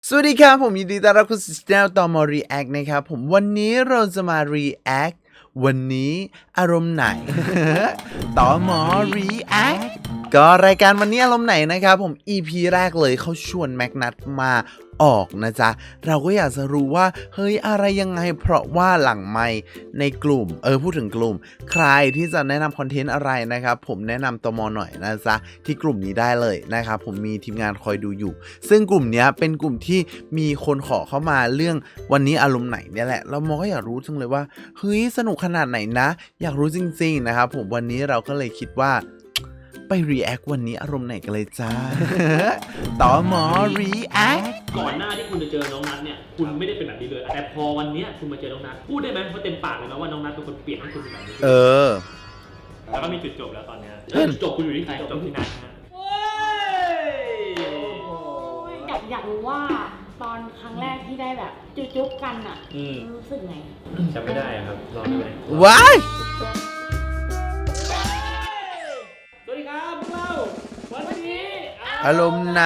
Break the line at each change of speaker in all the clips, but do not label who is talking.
สวัสดีครับผมยินดีต้อนรับคุณสู่ช่องตอมอ React นะครับผมวันนี้เราจะมา React วันนี้อารมณ์ไหน ตอมอ React ก็รายการวันนี้อารมณ์ไหนนะครับผม EP แรกเลยเขาชวนแม็กนัทมาออกนะจ๊ะเราก็อยากจะรู้ว่าเฮ้ยอะไรยังไงเพราะว่าหลังไมค์ในกลุ่มพูดถึงกลุ่มใครที่จะแนะนำคอนเทนต์อะไรนะครับผมแนะนำตมหน่อยนะจ๊ะที่กลุ่มนี้ได้เลยนะครับผมมีทีมงานคอยดูอยู่ซึ่งกลุ่มนี้เป็นกลุ่มที่มีคนขอเข้ามาเรื่องวันนี้อารมณ์ไหนเนี่ยแหละเราก็อยากรู้จังเลยว่าเฮ้ยสนุกขนาดไหนนะอยากรู้จริงๆนะครับผมวันนี้เราก็เลยคิดว่าไป react วันนี้อารมณ์ไหนกันเลยจ้า ต่อหมอ react
ก่อนหน้าที่คุณจะเจอน้องนัทเนี่ยคุณไม่ได้เป็นแบบนี้เลยแต่พอวันเนี้ยคุณมาเจอน้องนัทพูดได้ไหมเพราะเต็มปากเลยนะว่าน้องนัทเป็นคนเปลี่ยนให้คุณเป็นแบบนี้แล้วก็มีจุดจบแล้วตอนเนี้ยจุดจบคุณอยู่ที่ใครจบที่นัทนะ
อยากรู้ว่าตอนครั้งแรกที่ได้แบบจุ๊บกันอ่ะรู้สึกไง
จำไม่ได้ครับรอดูไหม
ว้าย
สวัสดีครับพวกเราวันนี้
อารมณ์ไหน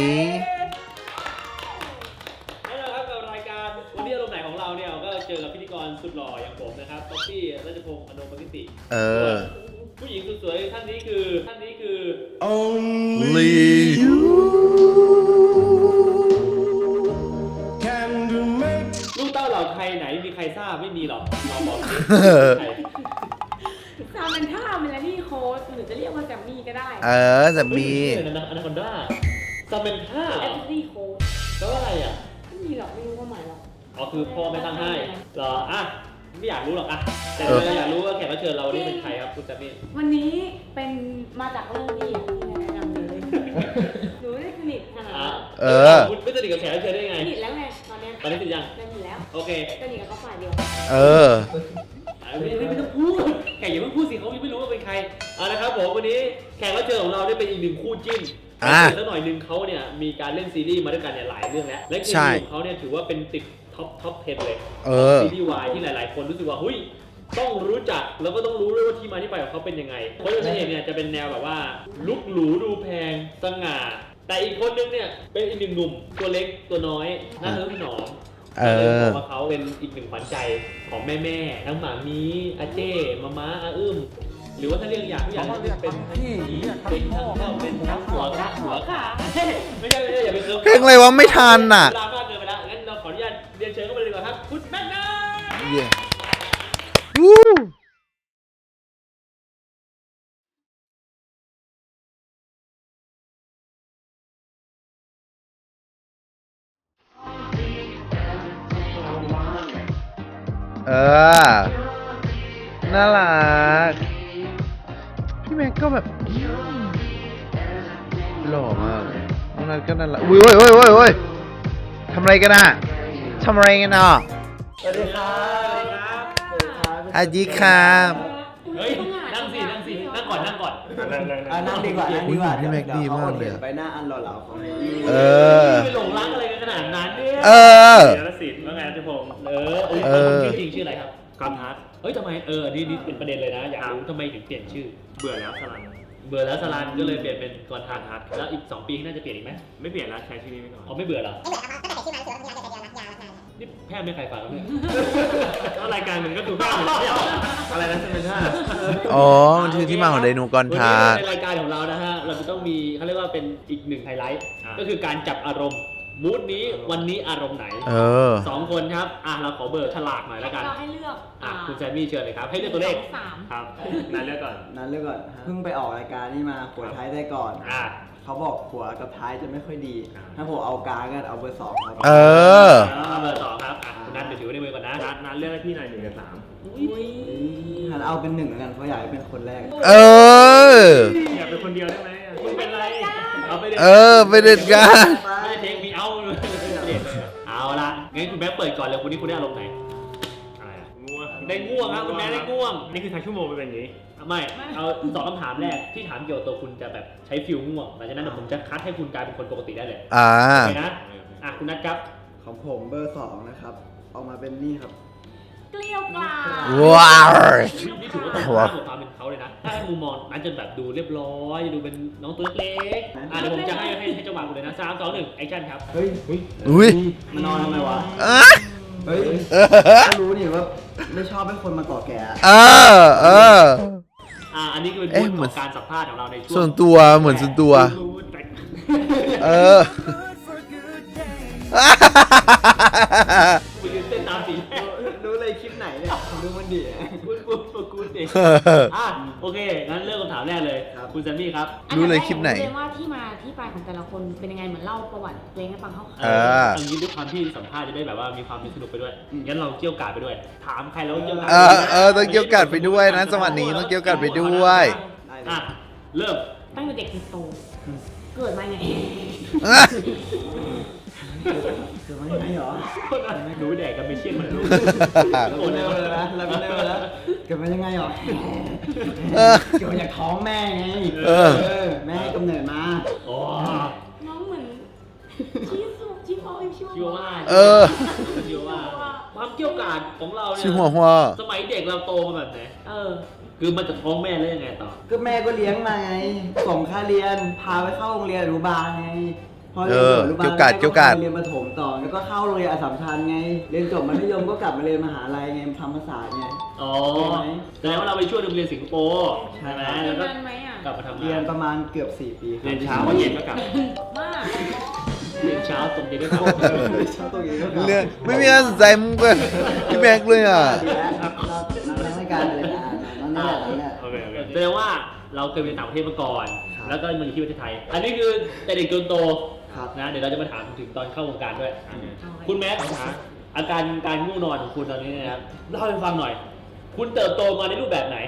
แน่นอนครับกับรายการวันนี้อารมณ์ไหนของเราเนี่ยก็เจอกับพิธีกรสุดหล่ออย่างผมนะครับป๊อปปี้รัชพงษ์อโนปกิติผู้หญิงสุดสวยท่านนี้คือ
Only you
ลูกเต้าเหล่าใครไหนมีใครทราบไม่มีหรอกเราบอก
ซามันท่าเมลานี่โค้ดหรือจะเรียกว่าแซมมี่ก็ได้
จะมี
อนาคอนด้าซาเมนท่า
แอปซี่โค้ด
แปลว่าอะไรอ่ะ
ไม่มีหรอกไม่รู้ว่าหมายหรอก
อ๋อคือพ่อไม่ตั้งให้เหรออ่ะไม่อยากรู้หรอกอ่ะแต่เราอยากรู้ว่าแขกรับเชิญเรานี่เป็นใครครับคุณแซมมี่
วันนี้เป็นมาจากเรื่องนี้ที่แนะนำเลยหนูได้สนิทขนาดนั้น
คุณไม่สนิทกับแขกรับเชิญได้ไง
สนิทแล้วไงตอนนี้
สนิทยัง
สนิทแล้ว
โอเค
สนิทกับเขาฝ่ายเดียว
ไม่ต้องพูดแขกอย่าเพิ่งพูดสิเขายังไม่รู้ว่าเป็นใครนะครับผมวันนี้แขกรับเชิญของเราได้เป็นอีกหนึ่งคู่จิ้นสักหน่อยนึงเขาเนี่ยมีการเล่นซีรีส์มาด้วยกันเนี่ยหลายเรื่องแล้วและซีรีส์ของเขาเนี่ยถือว่าเป็นติดท็อป 10 เลยซีรีส์วายที่หลายๆคนรู้สึกว่าเฮ้ยต้องรู้จักแล้วก็ต้องรู้ด้วยว่าที่มาที่ไปของเขาเป็นยังไงเพราะตัวเองเนี่ยจะเป็นแนวแบบว่าลุกหรูดูแพงสง่าแต่อีกคนนึงเนี่ยเป็นอีกหนึ่งหนุ่มตัวเล็กตัวน้อยน่าเลิศหนอมบอกว่าเขาเป็นอีกหนึ่งขวัญใจของแม่ทั้งหมามีอาเจ้ม้าอาอึ้มหรือว่าถ้าเรียกอย่างเป็นพี่เป็นทั้งเข้าเป็นทั้งหัวขาไม่ใช่อย่าไป
เพลงอะไรวะไม่ทันน่ะ
เวลามากเกินไปแล้วงั้นเราขออนุญาตเรียนเชิญเข้าไปเลยดีกว่าครับคุณแม่นา
น่ารักพี่แม็กก็แบบหล่อมากน้องนัทก็น่ารักอุ้ยทำอะไรกันอ่ะสวัสดีครับ
สวัสดีครับ
สวัสดีครับ
เฮ้ยนั่งสินั่งก่อน
นั่งดีกว่า
พี่แม็กดีมากเลย
ไปหน้าอันหล่อๆของ
ไปหลงรักอะไรกันขนาดนั้นเนี่ยเดี๋ยวสิว่าไงจะผมชื่อจริงชื่ออะไรครับกอนทัศน์เฮ้ยทำไมนี่เป็นประเด็นเลยนะอยากรู้ทำไมถึงเปลี่ยนชื่อเบื่อแล้วสลันก็เลยเปลี่ยนเป็นกอนทัศน์แล้วอีก2 ปีน่าจะเปลี่ยนอีกไหมไม่เปลี่ยนแล้วใช้ชื่อนี้ไปก่อนอ๋อไม่เบื่อเหรอนี่แพทย์ไม่ใครฟังแล้วเนี่ยรายการมันก็ดูแพทย์อะไรนะใช่ไหมท่า
มันคือที่มาของไดโนกอนทัศน์
ในรายการของเรานะฮะเราจะต้องมีเขาเรียกว่าเป็นอีกหนึ่งไฮไลท์ก็คือการจับอารมณ์มูดนี้วันนี้อารมณ์ไหน2 คนครับเราขอเบอร์ฉลากหน่อยแล้วกัน
เราให้เลือก
คุณแซมมี่เชิญเลยครับให้เลือกตัวเลข
ครับ
นันเลือกก่อน
เพิ่งไปออกรายการนี่มาหัวท้ายได้ก่อนเขาบอกหัวกับท้ายจะไม่ค่อยดีถ้าผมเอากลางกันเอาเบอร์ 2ครับ
เบอร์ 2ครับคุณนัทเดี๋ยวถือไว้ในมือก่อนนะนัทเลือกให้พี่หน่อย1 กับ 3
หันเอาเป็น1แล้วกันเพราะอยากให้เป็นคนแรก
อยากเป็นคนเดียวได้ไหมคุณเป็นไรเอาไป
ไปเด็ดกัน
ไม่เทคมีเอาละงั้นคุณแม่เปิดก่อนเลยคุณนี่คุณได้อารมณ์ไหนอะไรง่วงได้ง่วงครับคุณแม่ได้ง่วงนี่คือทางชั่วโมงเป็นอย่างนี้ไม่เอา2 คำถามแรกที่ถามเกี่ยวกับตัวคุณจะแบบใช้ฟิลง่วงหลังจากนั้นเดี๋ยวผมจะคัดให้คุณกลายเป็นคนปกติได้เลยโอเคนะคุณนัทครับ
ของผมเบอร์ 2นะครับออกมาเป็นนี่ครับ
เกลียวกราด
ว้าว
นี่ถือว่าตรงข้ามกับความเป็นเขาเลยนะถ้าให้มุมมองนั้นจะแบบดูเรียบร้อยดูเป็นน้องตัวเล็กเดี๋ยวผมจะให้จังหวะคุณเลยนะ3 2 1แอคชั่นครับ
เฮ้ย
อุ้ย
มานอนทำไมวะ
อ่ะ
เฮ้ยก็รู้นี่ว่าไม่ชอบให้คนมาเกาะแกะ
เออ
อันนี้คือเป็น
เอ๊ะ
บท
เหมื
ข
อน
องการสัมภาษณ์ของเราในช่วง
ส่วนตัวเหมือนส่วนตัว เออ
คุณยืนเต้นตามสี
รู้เลยคลิปไหนเนี่ยผมดูมันดี
กูเองโอเคงั้นเริ่มคำถามแรกเลย
ครับ
คุณแซมมี่ครับ
รู้เลยคลิปไหน
เรียนว่าที่มาที่ไปของแต่ละคนเป็นยังไงเหมือนเล่าประวัติเพลงให้ฟังเขา
อันนี้ด้วยความที่สัมภาษณ์จะได้แบบว่ามีความสนุกไปด้วยงั้นเราเกี่ยวกาดไปด้วย ถามใครแล้วเกี่ยวกาด
ต้องเกี่ยวกัดไปด้วยนะจังหวะนี้ต้องเกี่ยวกัดไปด้วย
เริ่ม
ตั้งแต่เด็กจนโตเกิดมาไง
เกิดมาอย่างนี้เหรอ
รู้แดกกันไม่เชี่ยนเหมือนลูก
เราเป็นเร็วเลยนะเราเป็นเร็วแล้วเกิดมายังไงเหรอเกิดมาจากท้องแม่ไงแม่ให้กำเนิดมา
อ๋อ
น้องเหมือนชิโอชิโอ
ชิวว่า ชิวว่าความเกี่ยวกาดของเราเนี่ย
ชื่อหัวหัว
สมัยเด็กเราโตมาแบบไหน
เออ
คือมันจะท้องแม่แล้วยังไงต่อ
ก็แม่ก็เลี้ยงมาไงส่งค่าเรียนพาไปเข้าโรงเรียนอนุบาลไงพอเรียนอนุบาล
เกี่ยวกัด
เรียนประถมต่อแล้วก็เข้าโรงเรียนอัสสัมชัญไงเรียนจบมัธยมก็กลับมาเรียนมหาลัยไงทำภาษาไง
อ๋อแสดงว่าเราไปช่วยโรงเรียนสิงคโปร์ใช่ไหมแล้วก็
นานไหมอ่ะ
กลับมาทำ
เรีย
งาน น
ประมาณเกือบ4 ปีครับ
เรียนเช้าวันเย็นก็กลับ
มาก
เรียนเช้าตรงเย็นก็กลับ
เช้าตรงนี้ก็กลับ
เรื่องไม่มีอะไรสนใจมึงเลยพี่แม็กเลยอ่ะ
ดีแล้วเรารายการเลยนะนั่นแหละ
โอเคแสดงว่าเราเคยไปต่างประเทศมาก่อน
ครับ
แล้วก็มาอยู่ที่ประเทศไทย อันนี้คือแต่เด็กจนโต
ครับ
นะเดี๋ยวเราจะมาถามถึงตอนเข้าวงการด้วย คุณแม็กซ์อาการการง่วงนอนของคุณตอนนี้นะครับเล่าให้ฟังหน่อย คุณเติบโตมาในรูปแบบไหน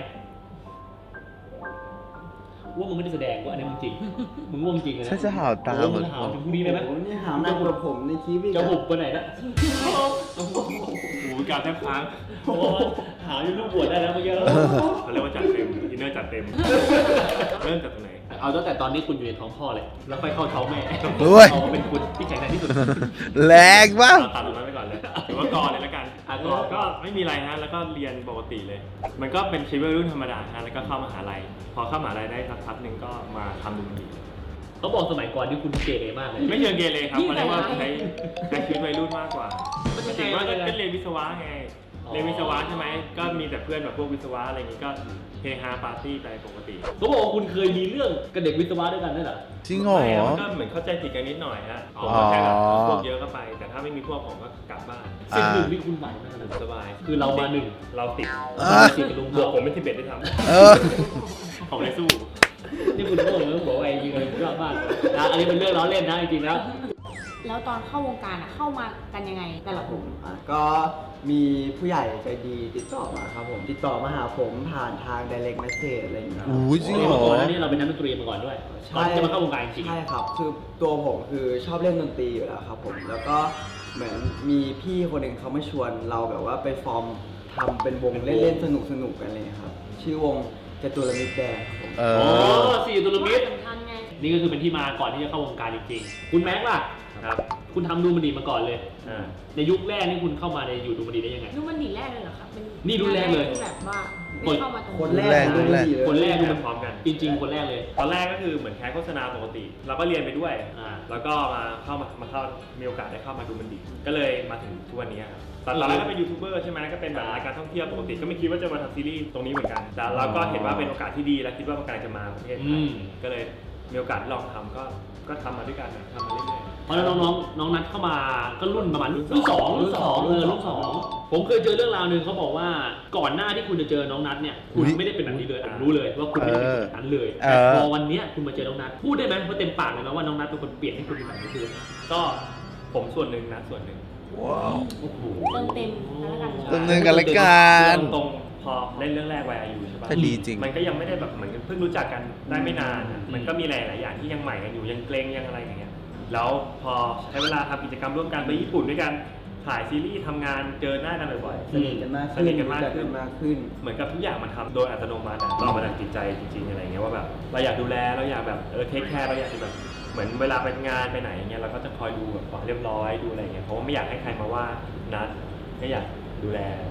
ว่ามึงไม่ได้แสดงว่าอันนี้มึงจริง มึงง่วงจริงเลยนะ
ฉันจะหาวตา
เห
เหมือน
หาวถึงพรุ่งนี้เลยไหม
โอ้โหนี่หามหนักกว่าผมในคลิปอีก
จะหุบไปไหนนะ
โอ้โหกาวแทบค้าง
โอ้โหหาวอยู่ลูกบวชได้แล้วเมื่อกี้แล้ว
เขาเรียกว่าจัดเต็มอินเนอร์จัดเต็ม เริ่มจากตรงไหน
เอาตั้งแต่ตอนนี้คุณอยู่ในท้องพ่อเลย แล้วค่อยเข้าท้องแม่
ด้วย
เอาเป็นคุณที่แข็งแรงที่สุด
แรงปะ
ตัดตรงนั้นไปก่อนเลยถือว่าก่อนเลยแล้วกัน
ก่อน
ก็ไม่มีอะไรฮะ แล้วก็เรียนปกติเลย มันก็เป็นชีวิตวัยรุ่นธรรมดาฮะ แล้วก็เข้ามหาลัย พอเข้ามหาลัยได้สักพักหนึ่งก็มาทำดนตรี
เขาบอกสมัยก่อนที่คุณเกเรมากเลย
ไม่เชิงเกเรครับ
นี่
มันเรียกว่า
ไง
ใช้ชีวิตวัยรุ่นมากกว่า
มันยังไง
ถึงว่า
มันยังไง
ก็เรียนวิศวะไง
อ๋อ
เรียนวิศวะใช่ไหม ก็มีแต่เพื่อนแบบพวกวิศวะอะไรอย่างงี้ก็เฮฮาปาร์ตี้ไปปกติ
เขาบอกว่าคุณเคยมีเรื่องกับเด็กวิศวะด้วยกันด้วยเหรอ
จริงเหรอ
ไม่ะมันก็เหมือนเข้าใจผิดกันนิดหน่อยฮะผม
อ๋อ
ก็แค่แบบพวกเยอะก็ไป แต่ถ้าไม่มีพวกผมก็กลับบ้าน
สิ่งหนึ่งที่คุณไหวมากเลย
สบาย
คือเรามาหนึ่ง
เราติด
สิกับลุง
บวกผมเป็น11ด้วยท
เออ
ำผมเลยสู้
นี่คุณโง่เลยบอกว่าไอ้ยิงเลยยอดมากนะอันนี้เป็นเรื่องล้อเล่นนะจริงๆแล้ว
แล้วตอนเข้าวงการอ่ะเข้ามากันยังไงแต่ละกลุ่ม
ก็มีผู้ใหญ่ใจดีติดต่อมาครับผม ติดต่อมาหาผมผ่านทาง direct message อะไรอย่างเงี้ยครับ
อู้จริงเหรอ
ก่อนหน้านี้เราเป็นนักดนตรีมาก่อนด้วยก่อนที่จะมาเข้าวงการจริง
ใช่ครับ คือตัวผมคือชอบเล่นดนตรีอยู่แล้วครับผม แล้วก็เหมือนมีพี่คนหนึ่งเขามาชวนเราแบบว่าไปฟอร์มทำเป็นวงเล่นๆสนุกๆกันเลยครับ ชื่อวงจตุรมิตรแดงครับผม
เอ
ๆอ๋อ
อ
สี่ตุลมิตร
สำคัญไง
นี่ก็คือเป็นที่มาก่อนที่จะเข้าวงการจริงๆ คุณแม็กซ์ล่ะ
ครับ
คุณทำดูมันดีมาก่อนเลย
อ่า
ในยุคแรกนี่คุณเข้ามาในอยู่ดูมันดีได้ยังไง
รุ่นมันดีแรกเลยเหรอครับเป็น
นี่รุ่นแรกเลย
ที่แบบว่าไม่เข้ามาตรง
คนแรก
รุ่นแรก
คนแรก
ดู
ดู
มั
มัน น
พร้อมกัน
จริงๆ คนแรกเลย
ตอนแรกก็คือเหมือนแคสโฆษณาปกติ เราก็เรียนไปด้วย
อ่า
แล้วก็เข้ามีโอกาสได้เข้ามาดูมันดี ก็เลยมาถึงทุกวันนี้ครับตอนแรกก็เป็นยูทูบเบอร์ใช่ไหมก็เป็นแบบรายการท่องเที่ยวปกติ ก็ไม่คิดว่าจะมาทำซีรีส์ตรงนี้เหมือนกัน แต่เราก็เห็นว่าเป็นโอกาสที่ดีและคิดว่ามันกำลังจะมาประเทศไท
อื
ย
ม
ก็เลยมีโอกาสลองทำก็ทำมาด้วยกันนะทำมาเรื่อย
เพราะแล้วน้องนัดเข้ามาก็รุ่นประมาณรุ่นสองรุ่นสองผมเคยเจอเรื่องราวหนึ่งเขาบอกว่าก่อนหน้าที่คุณจะเจอน้องนัดเนี่ยคุณ
อุ๊ย
ไม่ได้เป็นแบบนี้เลยผมรู้เลยว่าคุณไม่ได้เป็นแบบนั้นเลย
เออ
แต่พอวันเนี้ยคุณมาเจอน้องนัดพูดได้ไหมว่าเต็มปากเลยนะว่าน้องนัดเป็นคนเปลี่ยนให้คุณเป็นแบบนี้คือ
ๆ ก็ผมส่วนหนึ่งนะส่วนหนึ่ง
ว้าว
โอ้โห
เติมเต็มแล้วกัน
เติมเต็มกันละกัน
ตรงๆพอเล่นเรื่องแรกวายอายุใช่ปะ
แต่ดีจริง
มันก็ยังไม่ได้แบบเหมือนเพิ่งรู้จักกันได้ไม่นานอะมันก็มีหลายๆอย่างที่ยังใหม่กันอยู่ยังเกรงยังอะไรอย่างเงี้ยแล้วพอใช้เวลาทำกิจกรรมร่วมกันไปญี่ปุ่นด้วยกันถ่ายซีรีส์ทำงานเจอหน้ากันบ่อยๆ
สนิทกันมาก
ส
ขึ้น
นิทกันมาก
รู้จั
ขึ้น
มากขึ้น
เหมือนกับทุกอย่างมันทำโดยอัตโนมัติอะเรามาจากจิตใจจริงๆอะไรเงี้ยว่าแบบเราอยากดูแลเราอยากแบบเทคแคร์เราอยากจะแบบเหมือนเวลาไปงานไปไหนอย่างเงี้ยเราก็จะคอยดูแบบความเรียบร้อยดูอะไรเงี้ยเพราะว่าไม่อยากให้ใครมาว่านัดไม่อยากดูแลอะไรเงี้ย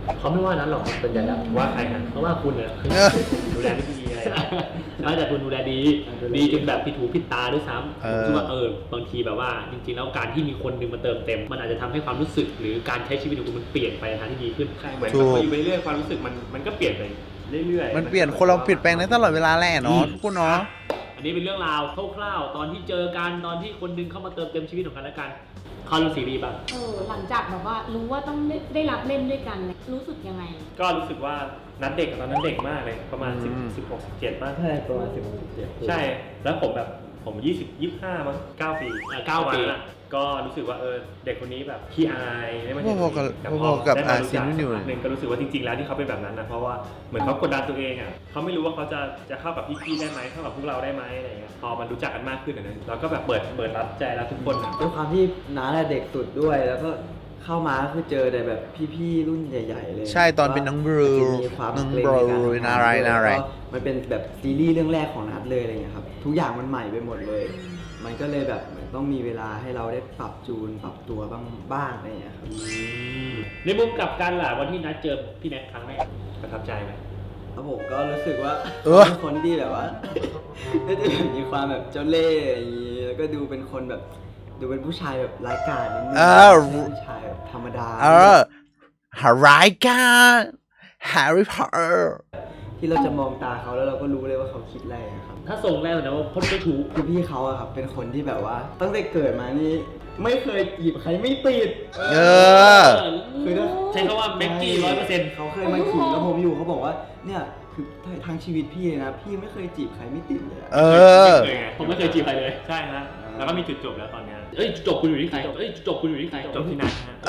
เขาไม่ว่านั้นหรอกส่วนใหญ่แล้ว
ว่าใครกัน
เพราะว่าคุณเนี่ย
ดูแลไม่ดีอะไรนะ
ไม่แต่คุณดูแลดีจนแบบผิดหูผิดตาด้วยซ้ำผมคิดว่าบางทีแบบว่าจริงๆแล้วการที่มีคนหนึงมาเติมเต็มมันอาจจะทำให้ความรู้สึกหรือการใช้ชีวิตของคุณมันเปลี่ยนไปในทางที่ดีขึ้น
ใช่เหมือนแบบอยู่ไปเรื่อยความรู้สึกมันก็เปลี่ยนไปเรื่อยๆ
มันเปลี่ยนคนเราเปลี่ยนแปลงได้ตลอดเวลาแหละเนาะทุกคนเนาะ
อันนี้เป็นเรื่องราวคร่าวๆตอนที่เจอกันตอนที่คนหนึงเข้ามาเติมเต็มชีวิตของกันและกันเข้าเรื่องซีรีส์บ้าง
หลังจากแบบว่ารู้ว่าต้องได้รับเล่นด้วยกันเนี่ยรู้สึกยังไง
ก็รู้สึกว่านัดเด็กตอนนั้นเด็กมากเลยประมาณ
อืม
16 17ป่ะ
ใช่ประมาณ17
ใช่แล้วผม20 25มั้ง9 ปี
9 ปี
ประมาณนั้นอะก็รู้สึกว่าเด็กคนนี้แบบขี้อายไม่มา
พอๆกับ
พ่
พอๆกับ
ได้มารู้จั
อาเซียนอยู่
สักพักหนึ่งก็รู้สึกว่าจริงๆแล้วที่เขาเป็นแบบนั้นนะเพราะว่าเหมือนเขากดดันตัวเองอ่ะเขาไม่รู้ว่าเขาจะเข้ากับพี่ๆได้ไหมเข้ากับพวกเราได้ไหมอะไรอย่างเงี้ยพอมันรู้จักกันมากขึ้นอะนะเราก็แบบเปิดรับใจแล้วทุกคนอะ
ด้วยความที่น้าเด็กสุดด้วย แล้วก็เข้ามาก็คือเจอแต่แบบพี่ๆรุ่นใหญ่ๆเลย
ใช่ตอนเป็นน้องบรู
มีความ
น้อง
เกรง
บรู
ในการทำง
น่ารัก
ด้วย
น่ารัก
แล้วมันเป็นแบบซีรีส์เรื่องแรกของนัดเลยอะไรเงี้ยครับทุกอย่างมันใหม่ไปหมดเลย มันก็เลยแบบเหมือนต้องมีเวลาให้เราได้ปรับจูนปรับตัวบ้างอะไรเงี้ยครับ
ในมุมกลับกันล่ะวันที่นัดเจอพี่แน็กครั้งแรก
ประทับใจไหม
แล้วผมก็รู้สึกว่า
เออ
เป็นคนที่แบบว่า ก็จะมีความแบบเจ้าเล่ห์อย่างนี้แล้วก็ดูเป็นคนแบบดูเป็นผู้ชายแบบร้ายกาจนิดนึงผู้ชายแบบธรรมดา
หารายการแฮร์รี่พอตเตอร์
ที่เราจะมองตาเขาแล้วเราก็รู้เลยว่าเขาคิดอะไรอะครับ
ถ้าส่งแรกนะว่าพ่นไม่ถูก
คือพี่เขาอะครับเป็นคนที่แบบว่า ตั้งแต่เกิดมานี่ไม่เคยจีบใครไม่ติด
เออ
คือถ้า
ใช้คำว่าแม็กกี้100%
เขาเคยมาขิงกับผมอยู่เขาบอกว่าเนี่ยคือทางชีวิตพี่เลยนะพี่ไม่เคยจีบใครไม่ติดเลยอะ
เออ
เคยไง
ผมไม่เคยจีบใครเลย
ใช่ฮะแล้วก็มีจุดจบแล้วตอนเนี้ย
เอ้ยจบคุณอยู่ที่ใครจบคุณอยู่ที่ใคร
จบที่นัดฮะ
เอ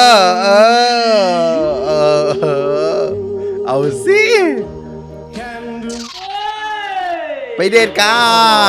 อ เอาสิ ไปเดทกัน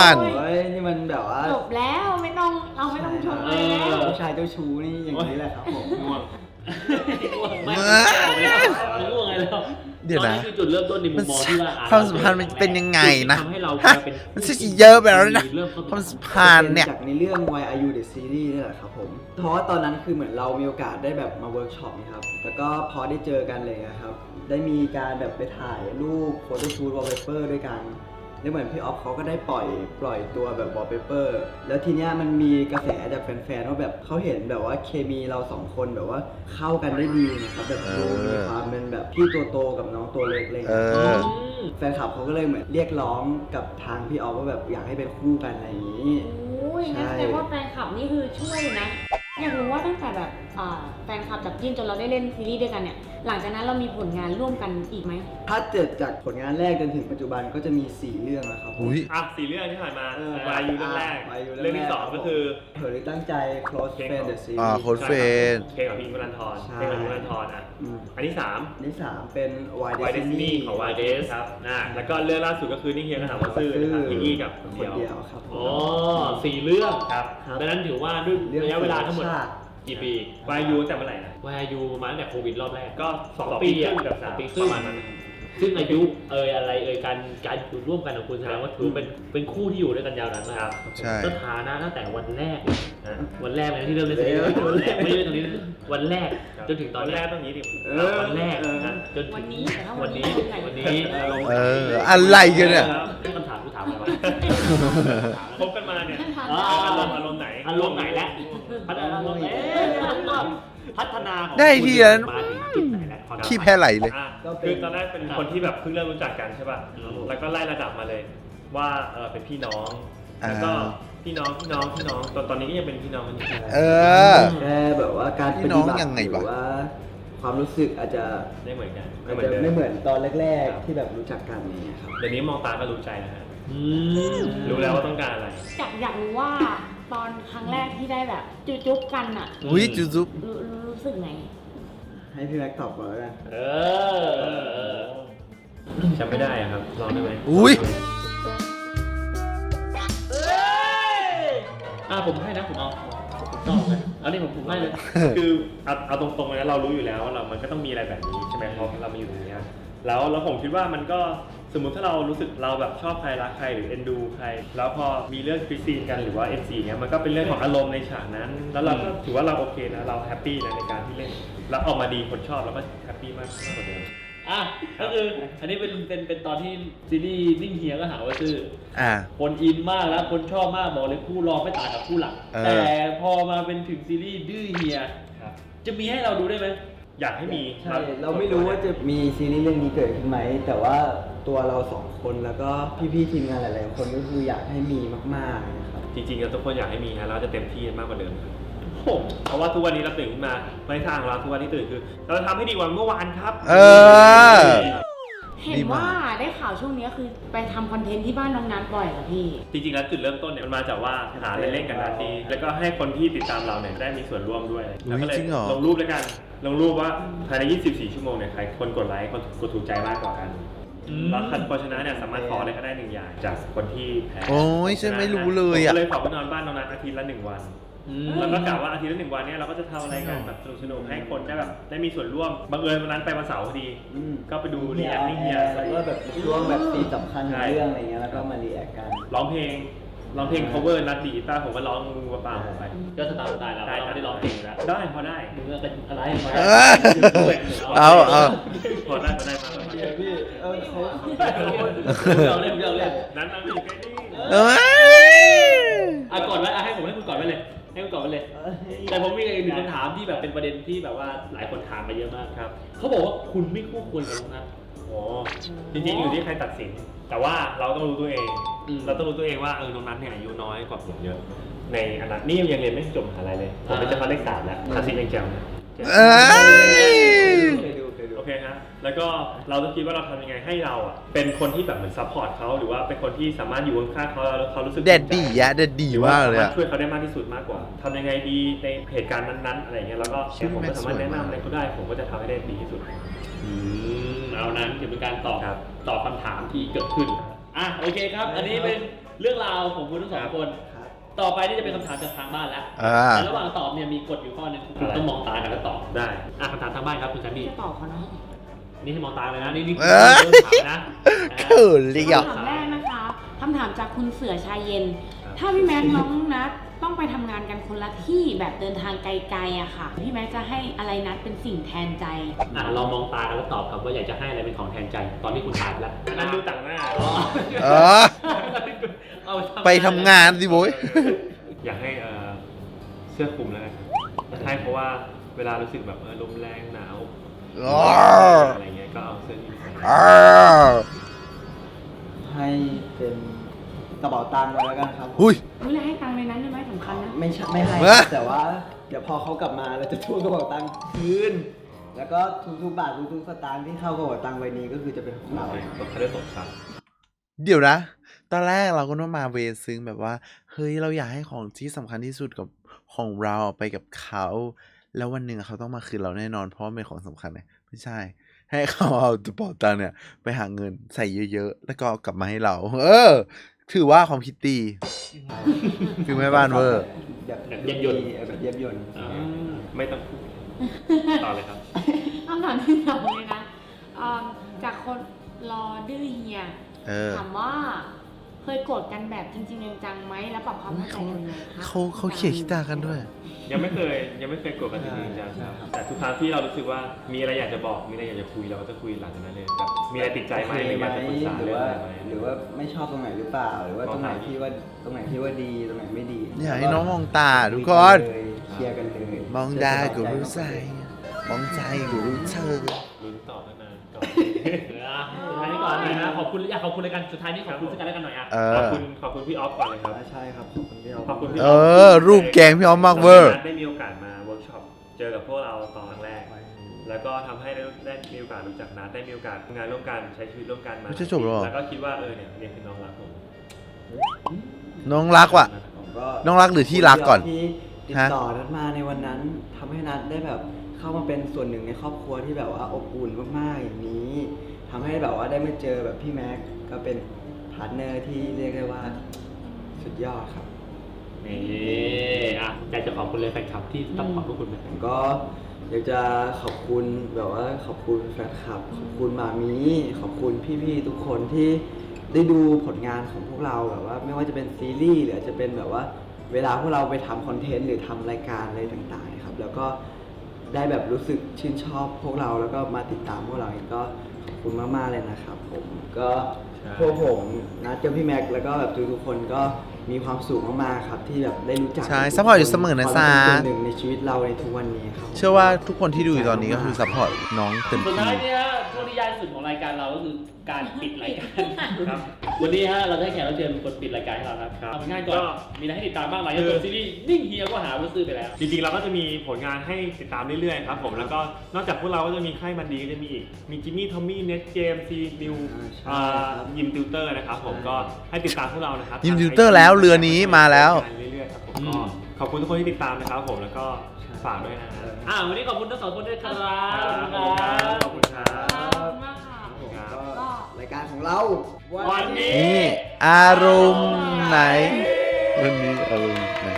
เฮ้ยนี่มันแบบว่า
จบแล้วไม่ต้องชมเลยแล้ว
ผู้ชายเจ้าชู้นี่อย่างนี้แหละครับผม
ง่วง
ไม่ง่วงไงแล้ว
เดี๋ยวนะ
ตอนนี้คือจุดเริ่มต้นในมุมมองที่ว่า
ความสัมพันธ์มันเป็นยังไงนะ
ทำให้เรา
ฮะ
เป็น
มันจะเยอะไปแล้วนะ
เริ่มต้น
ความสัมพันธ์เนี่ย
จากในเรื่อง Why Are You The Series นี่แหละครับผม เพราะว่าตอนนั้นคือเหมือนเรามีโอกาสได้แบบมาเวิร์กช็อปนะครับ แล้วก็พอได้เจอกันเลยนะครับ ได้มีการแบบไปถ่ายรูปโฟโต้ชูตวอลเปเปอร์ด้วยกันแล้วเหมือนพี่ออฟเขาก็ได้ปล่อยตัวแบบวอลเปเปอร์แล้วทีเนี้ยมันมีกระแสจากแฟนๆว่าแบบเขาเห็นแบบว่าเคมีเราสองคนแบบว่าเข้ากันได้ดีนะครับแบบดูมีความเป็นแบบพี่ตัวโตกับน้องตัวเล็กเลย
เออ
แฟนคลับเขาก็เลยเหมือนเรียกร้องกับทางพี่ออฟว่าแบบอยากให้เป็นคู่กันอะไรอย่างนี้
โอ้ยงั้นแสดงว่าแฟนคลับนี่คือช่วยนะ อยากรู้ว่าตั้งแต่แบบแฟนคลับจับจิ้นจนเราได้เล่นซีรีส์ด้วยกันเนี่ย หลังจากนั้นเรามีผลงานร่วมกันอีกไหม
ถ้าเกิดจากผลงานแรกจนถึงปัจจุบันก็จะมี 4 เรื่องแล้วครับผม
อุ้ย
อ่ะ4 เรื่องที่ผ่านมา
เออ
วายูเรื่องแรก
วายุเรื่
เรื่
อ
อง ง
แรก
ที่ 2 ก็คือ
เผยตั้งใจ close friend the series
โค้ดเฟน
เพลงของพี่อิงค์วรันทร
ใช่
เพลงของอิงค์วรันทรอ่ะ
อืม
อันที่
อันที่ 3 เป็น Why
3 Why
Destiny
Destiny ของ Why Des ครับแล้วก็เรื่องล่าสุดก็คือนี่เฮียกระถางว่าซื่อนะครับพี่อี้กับ
คนเดียวครับ
อ๋อ4 เรื่อง
ครับ
ครับ
ดังนั้นถือว่าด้วยระยะเวลาทั้งหมด
ชาติ
กี่ปี
วายูตั้งแต่เมื่อไหร่นะ
วายยูมาตั้งแต่โควิดรอบแรก
ก็
2
ปี
ปี
ครึ่
อะ
งกับ
สอง
3
ปีค
ป
รึ่ง
ระมาณนั้น
ซึ่งอายุอะไรการอยู่ร่วมกันของคุณแสดงว่าถือเป็นคู่ที่อยู่ด้วยกันยาวนานมาก
ใช่
สถานะตั้งแต่วันแรก
นะ
วันแรกเลยที่เริ่มเล่นซีรีส์วันแรกไม่ใช่ตรงนี้วันแรกจนถึงตอน
แร
แร
ก
ก
ต้องนี้ดิ
วันแรกนะจนถึง
วันนี้แต่ถ้าวั
วัน
นนี้
นี้
เป็นไง
วันนี้อารมณ์
เออ อะไรกันเนี่ย
คำถามกูถามอะไรวะ
คบกันมาเนี่ย
อ๋อ
อารมณ์ไหน
อารมณ์ไหนแล้วพัฒนาอารมณ์พัฒนาของ
ได้ทีละ
มาถึงจุดไหนแล้ว
ขี้แพ้ไหลเลย
อ่ะคือตอนแรกเป็นคนที่แบบเพิ่งเริ่มรู้จักกันใช่ป่ะ แล้วก็ไล่ระดับมาเลย ว่าเป็นพี่น้อง แล้วก็พี่น้องตอนนี้ก็ยังเป็นพี่น้องกันอยู่
เออ
แค่แบบว่าการป
พี่น้
ฏิ
อง
บัติ
ยังไง
ห
วะ
รือว่าความรู้สึกอาจจะ
ไม่เหมือนกัน
อาจ
เหมือ
จะ
นเดิม
ไม่เหมือนตอนแรกๆที่แบบรู้จักกันอย่างเงี้ยครับ
เดี๋ยวนี้มองตาก็รู้ใจนะฮะ
อืม
รู้แล้วว่าต้องการอะไร
อยากรู้ว่าตอนครั้งแรกที่ได้แบบจุ๊บกันอะ
อุ้ยจุ๊บ
รู้สึกไง
ให้พี่แม็กตอบก่อนแล้วกัน
เออ
จำไม่ได้อะครับ ลองได้ไหม
อุ้ย
ผมให้นะผมเอาผมชอบเลยอันนี้ผมให้เลย
คือเอาตรงๆเลยนะเรารู้อยู่แล้วว่ามันก็ต้องมีอะไรแบบนี้ใช่ไหมเพราะเรามาอยู่ตรงเนี้ยแล้วผมคิดว่ามันก็สมมุติถ้าเรารู้สึกเราแบบชอบใครรักใครหรือเอ็นดูใครแล้วพอมีเรื่องคริสซีนกันหรือว่า NC เงี้ยมันก็เป็นเรื่องของอารมณ์ในฉากนั้น แล้วเราก็ถือว่าเราโอเคนะเราแฮปปี้นะในการที่เล่นแล้วออกมาดีคนชอบเราก็แฮปปี้มากกว่าเดิม
อ่ะก็คืออันนี้เป็นตอนที่ซีรีส์นิ่งเฮียก็หาว่าซื่อ คนอินมากแล้วคนชอบมากบอกเลยคู่รองไม่ต่างกับคู่หลัก แต่พอมาเป็นถึงซีรีส์ดื้อเฮีย
ครับ
จะมีให้เราดูได้ไหม
อยากให้มี
ใช่เราไม่รู้ว่าจะมีซีรีส์เรื่องนี้เกิดขึ้นไหมแต่ว่าตัวเราสองคนแล้วก็พี่ๆทีมงานหลายๆคนก็คืออยากให้มีมากๆนะครับ
จริงๆทุกคนอยากให้มีนะเราจะเต็มที่มากกว่าเดิมครับเพราะว่าทุกวันนี้เราตื่นขึ้นมาในทางของเราทุกวันที่ตื่นคือเราจะทำให้ดีกว่าเมื่อวานครับ
เห็นว่าได้ข่าวช่วงนี้คือไปทำคอนเทนต์ที่บ้านน้องนัทบ่อยเหรอพี่
จริงๆแล้วจุดเริ่มต้นเนี่ยมันมาจากว่าหาเล่นๆกันนาทีแล้วก็ให้คนที่ติดตามเราเนี่ยได้มีส่วนร่วมด้วยแล้วก็เลยลงรูปด้วยกันลงรูปว่าภายใน 24 ชั่วโมงเนี่ยใครคนกดไลค์คนกดถูกใจมากกว่ากันแล้วคนชนะเนี่ยสามารถขออะไรก็ได้1อย่างจากคนที่แพ้
โอ้ยฉันไม่รู้เลยอ่ะ
ผมก็เลยขอไปนอนบ้านน้องนัทอาทิตย์ละ1 วันแล้วก็กะว่าอาทิตย์ละ1 วันเนี่ยเราก็จะทำอะไรกันแบบสนุกๆให้คนได้แบบได้มีส่วนร่วมบังเอิญวันนั้นไปวันเสาร์พอดีก็ไปดูรีแอคนิ่งเฮีย
แล้วก็แบบช่วงแบบซีนสำคัญของเรื่องอะไรเงี้ยแล้วก็มารีแอคกัน
ร้องเพลง cover นัดดีกีตาร์ผมก็ร้องงูกระป่าผมไป
ก็สไตล์เราไม่ได้ร้องเพลงอยู่แล้ว
ได้พอได้
มึงก็เป็นอะไรมา
เอา
พอได้มาแล้ว
พี่เขา
เราเล่นเราเล่น
นั้นนั่งอยู่ใกล้นี่
อ่ะก่อนไว้ให้ผมให้คุณก่อนไว้เลยให้คุณก่อนไว้เลย แต่ผมมีอีกหนึ่งคำถามที่แบบเป็นประเด็นที่แบบว่าหลายคนถามมาเยอะมาก
ครับ
เขาบอกว่าคุณไม่คู่ควรกับน้องนัท
โอ้จริงๆอยู่ที่ใครตัดสิน แต่ว่าเราต้องรู้ตัวเอง เราต้องรู้ตัวเองว่าน้องนัทเนี่ยอายุน้อยกว่าผมเยอะ ในอนาคตนี่ยังเรียนไม่จบมหาลัยเลย ผมเป็นเจ้าฟ้าเลข3แล้วภาษียังแจ๋วนะ
เคยดู
โอเคฮะ แล้วก็เราต้องคิดว่าเราทำยังไงให้เราอ่ะเป็นคนที่แบบเหมือนซัพพอร์ตเขาหรือว่าเป็นคนที่สามารถอยู่ข้างๆเขาแล้วเขารู้สึก
เด็ดดีอะเด็ดดีมากเลย
สา
อะ
มารถช่วยเขาได้มากที่สุดมากกว่าทำยังไงดีในเหตุการณ์นั้นๆอะไรอย่างเงี้ยแล้วก็ผมก็สามารถแนะนำอะไรเขาได้ผมก็จะทำให้ได้ดีที่สุด
เอานั้นถือเป็นการตอบ
ครับ
ตอบคำถามที่เกิดขึ้นอ่ะโอเคครับ อันนี้เป็นเรื่องราวของคุณทั้งสองคน ต่อไปนี่จะเป็นคำถามจากทางบ้านแล้วแต่ระหว่างตอบเนี่ยมีกฎอยู่ข้อหนึงคุณต้องมองตากันแล้วตอบ
ได้
อ่ะคำถามทางบ้านครับคุณแซมมี่
จะตอบเขาเนาะ
นี่ให้มองตาเลยนะนี่ถามนะ
เขินเลยอ่ะ
คำถามแรกนะคะคำถามจากคุณเสือชายเย็น ถ้าพี่แม็กซ์น้องนัทต้องไปทำงานกันคนละที่แบบเดินทางไกลๆอะค่ะ พี่แม็กซ์จะให้อะไรนัทเป็นสิ่งแทนใจ
อ่ะเรามองตากันแล้วตอบครับว่าอยากจะให้อะไรเป็นของแทนใจ ตอนที่คุณถามแล้ว
นั่นดูต่างหน้า
เอา
ไปทำงานสิโว้ย
อยากให้เสื้อคลุมแล้วกันใช่เพราะว่าเวลารู้สึกแบบลมแรงหนาวอะไรเงี้ยก็เอาเสื้อนี้ใส่
ให้เป็นกระเป๋าตังค์ไว้แล้วกันครับ
อุ้ย
เวลาให้ตังค์ในนั้นได้ไหมสำคัญนะ
ไม่ใช่ไม่ให้
เอ้ย
แต่ว่าเดี๋ยวพอเขากลับมาเราจะทวงกระเป๋าตังค์คืนแล้วก็ทุกๆบาททุกๆสตางค์ที่เข้ากระเป๋าตังค์ใบนี้ก็คือจะเป็นของเรา
เขาได้ตกซับ
เดี๋ยวนะ ตอนแรกเราก็ต้องมาเวซึ้งแบบว่า เฮ้ย เราอยากให้ของที่สำคัญที่สุดกับของเราไปกับเขา แล้ววันหนึ่งเขาต้องมาคืนเราแน่นอน เพราะว่าเป็นของสำคัญไงไม่ใช่ ให้เขาเอากระเป๋าตังค์เนี่ย ไปหาเงินใส่เยอะๆ แล้วก็เอากลับมาให้เรา ถือว่าความคิดดีคือแม่บ้านเวอร์
แบบเย็บยนต์แบบเย็บยนต์
ไม่ต้องพูดต่อเลยครับ
คำถามที่สองเลยนะจากคนรอดื้อเฮีย ถามว่าเคยโกรธกันแบบจริงๆจังๆไหมแล้วปรับความเข้าใจกันยังไงคะ
เขาเขียนคิตากันด้วย
ยังไม่เคยโกรธกันจริงๆจังๆครับแต่ทุกครั้งที่เรารู้สึกว่ามีอะไรอยากจะบอกมีอะไรอยากจะคุยเราก็จะคุยหลังจากนั้นเลยแบบมีอะไรติดใจไหมหรืออยากจะปรึกษา
หรื
เรื่
อ
อง
ว่า
อะไรไหม
หรือว่าไม่ชอบตรงไหนหรือเปล่า หรือว่าตรงไหนที่ว่าดีตรงไหนไม่ดี
อยากให้น้องมองตาทุกคน
เคลียร์กันเลย
มองดากูรู้ใจ มองใจกูรู้เธอ
ลุ้นต่อตั้งนานก่อน
สุดท้ายนี้ก่อนเลยนะขอบคุณอยากขอบคุณรายการสุดท้ายนี้ขอบคุณซึ่งกันและกันหน่อยอ่ะ
ขอบคุณพี่ออฟก่อนเลยครับ
ใช่ครับขอบคุณพี่
ขอบคุณพี่
รูปแกงพี่ออมมากเวอร์
ได้มีโอกาสมาเวิร์กช็อปเจอกับพวกเราตอนแรก แล้วก็ทำให้ได้มีโอกาสรู้จักนัทได้มีโอกาสทำงานร่วมกันใช้ชีวิตร่วมกันมา
ไม่ใช่จบหรอ
แล้วก็คิดว่าเนี่ยคือน้องรักผม
น้องรักว่ะ
ผมก็
น้องรักหรือที่รักก่อน
ที่ติดต่อนัดมาในวันนั้นทำให้นัดได้แบบเข้ามาเป็นส่วนหนึ่งในครอบครัวที่แบบว่าอบอุ่นมากๆอย่างนี้ทำให้แบบว่าได้มาเจอแบบพี่แม็กก็เป็นพาร์ทเนอร์ที่เรียกได้ว่าสุดยอดครับ
นี่อ่ะอยากจะขอบคุณเลยแฟนคลับที่ต้องขอบพวกคุณไหม
ผมก็อยากจะขอบคุณแบบว่าขอบคุณแฟนคลับขอบคุณมามีขอบคุณพี่ๆทุกคนที่ได้ดูผลงานของพวกเราแบบว่าไม่ว่าจะเป็นซีรีส์หรือจะเป็นแบบว่าเวลาพวกเราไปทำคอนเทนต์หรือทำรายการอะไรต่างๆครับแล้วก็ได้แบบรู้สึกชื่นชอบพวกเราแล้วก็มาติดตามพวกเราเองก็ขอบคุณมากๆเลยนะครับผมก็พวกผมนะเจ้าพี่แม็กแล้วก็แบบทุกๆคนก็มีความสุขมากๆครับที่แบบได้รู้จัก
ใช่ซัพพอร์ตอยู่เสมอนะจ๊ะ
ความเป็นส่วนหนึ่งในชีวิตเราในทุกวันนี้ครับ
เชื่อว่าทุกคนที่ดูอยู่ตอนนี้ก็คือซัพพอร์ตน้องเต็ม
สุด
ที่
ท้ายเนี่ยช่วงที่ยากที่สุดของรายการเราก็คือการปิดรายการ
ครับ
วันนี้ฮะเราได้แขกรับเชิญเป็นคนปิดรายการให้เราครับ
ครับ
ทำง่ายก่อน
ก็
มีอะไรให้ติดตามบ้างหลังจากจบซีรีส์นิ่งเฮียก็หาว่าซื้อไปแล้ว
จริงๆเราก็จะมีผลงานให้ติดตามเรื่อยๆครับผมแล้วก็นอกจากพวกเราก็จะมีค่ายมันดีก็จะมีอีกมีจิมมี่ทอมมี่เน็ตเจมซีนิวยิมติวเตอร์นะครับผมก็ให้ติดตามพวกเรานะครับ
ยิมติวเตอร์แล้วเรือนี้มาแล้ว
เรื่อยๆครับผมก็ขอบคุณทุกคนที่ติดตามนะครับผมแล้วก็ฝากด้วยนะ
วันนี้ขอบคุณทั้งสองคนด้วยครับ
ขอบคุณครับ
ขอบคุณมากค่ะ
ก็รายการของเรา
วันนี้
นี่อารมณ์ไหน วันนี้อารมณ์ไหน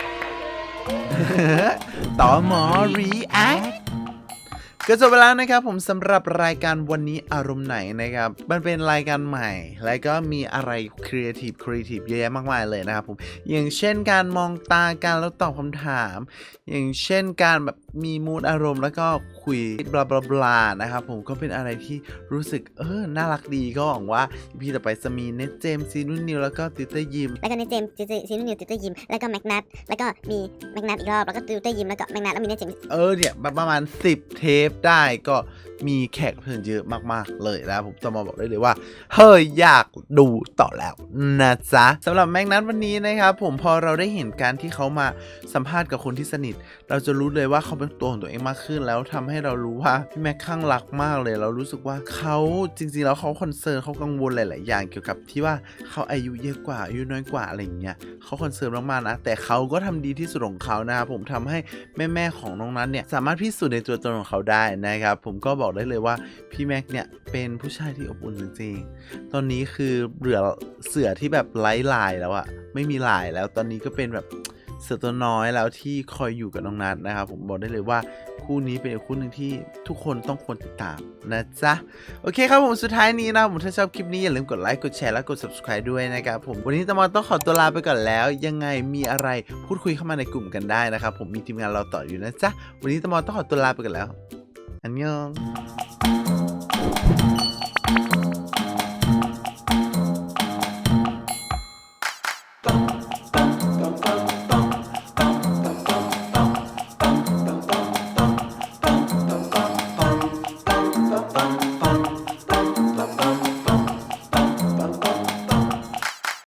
ต่อหมอรีแอคก็จบไปแล้วนะครับผมสำหรับรายการวันนี้อารมณ์ไหนนะครับมันเป็นรายการใหม่และก็มีอะไรครีเอทีฟเยอะแยะมากมายเลยนะครับผมอย่างเช่นการมองตากันแล้วตอบคำถามอย่างเช่นการแบบมีมูดอารมณ์แล้วก็คุยบลาบลาบลานะครับผมก็เป็นอะไรที่รู้สึกน่ารักดีก็หวังว่าพี่ต่อไปจะมีเน็ตเจมซีนุ่นนิวแล้วก็ติวเตอร์ยิม
แล้วก็เนทเจมส์ซีนุ่นนิวติวเตอร์ยิมแล้วก็แม็กนัทแล้วก็มีแม็กนัทอีกรอบแล้วก็ติวเตอร์ยิมแล้วก็แม็กนัทแล้วมีเนทเจมส์
เนี่ยประมาณ10 เทปได้ก็มีแขกเพิ่มเยอะมากๆเลยนะผมต้องมาบอกได้เลยว่าเฮ้ยอยากดูต่อแล้วนะจ๊ะสำหรับแม็กนัทวันนี้นะครับผมพอเราได้เห็นการที่เขามาสัมภาษณ์กับคนที่สนิทเราจะรู้เลยว่าเขาเป็นตัวของตัวเองมากขึ้นแล้วทำให้เรารู้ว่าพี่แม็กข้างรักมากเลยเรารู้สึกว่าเขาจริงๆแล้วเขาคอนเซิร์นเขากังวลหลายๆอย่างเกี่ยวกับที่ว่าเขาอายุเยอะกว่าอายุน้อยกว่าอะไรอย่างเงี้ยเขาคอนเซิร์นมากๆนะแต่เขาก็ทำดีที่สุดของเขานะครับผมทำให้แม่ๆของน้องนั้นเนี่ยสามารถพิสูจน์ในตัวตนของเขาได้นะครับผมก็บอกได้เลยว่าพี่แม็กเนี่ยเป็นผู้ชายที่อบอุ่นจริงๆตอนนี้คือเหลือเสือที่แบบไร้ลายแล้วอะไม่มีลายแล้วตอนนี้ก็เป็นแบบเสือตัวน้อยแล้วที่คอยอยู่กับน้องนัทนะครับผมบอกได้เลยว่าคู่นี้เป็นอีกคู่หนึ่งที่ทุกคนต้องควรติดตามนะจ๊ะโอเคครับผมสุดท้ายนี้นะผมถ้าชอบคลิปนี้อย่าลืมกดไลค์กดแชร์และกด subscribe ด้วยนะครับผมวันนี้ตะมอนต้องขอตัวลาไปก่อนแล้วยังไงมีอะไรพูดคุยเข้ามาในกลุ่มกันได้นะครับผมมีทีมงานเราต่ออยู่นะจ๊ะวันนี้ตะมอนต้องขอตัวลาไปก่อนแล้วอันยอง